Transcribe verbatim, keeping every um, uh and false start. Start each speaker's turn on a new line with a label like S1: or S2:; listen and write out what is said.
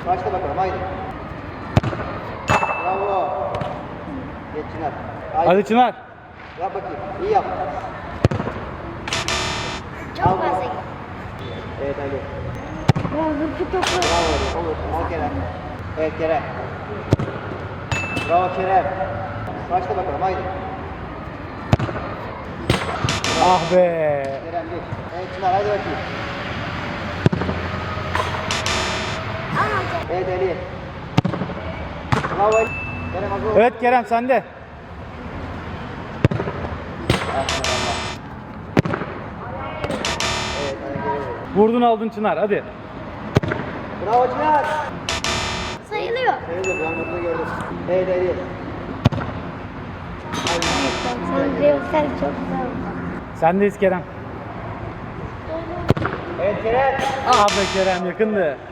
S1: Başla bakalım haydi. Bravo. Geç Çınar. Haydi.
S2: Hadi Çınar.
S1: Yap bakayım. İyi yap.
S3: Çok
S1: Al.
S3: fazla.
S1: Evet Ali.
S3: Bravo bu topu.
S1: Bravo Ali. Olur. Al Kerem. Evet Kerem. Bravo Kerem. Başla bakalım haydi.
S2: Ah be.
S1: Kerem geç. Evet Çınar haydi bakayım.
S3: Ama
S1: Evet Ali. Bravo Ali. Kerem hazır ol.
S2: Evet Kerem sende.
S1: Aferin Allah. Evet hadi geri ver.
S2: Vurdun aldın Çınar hadi.
S1: Bravo Çınar.
S3: sayılıyor.
S1: Sayılır ben burada gördüm. Evet Ali.
S3: Sen Reelsel çok güzel.
S2: Sendeyiz Kerem.
S1: Evet Kerem.
S2: Ah be Kerem yakındı.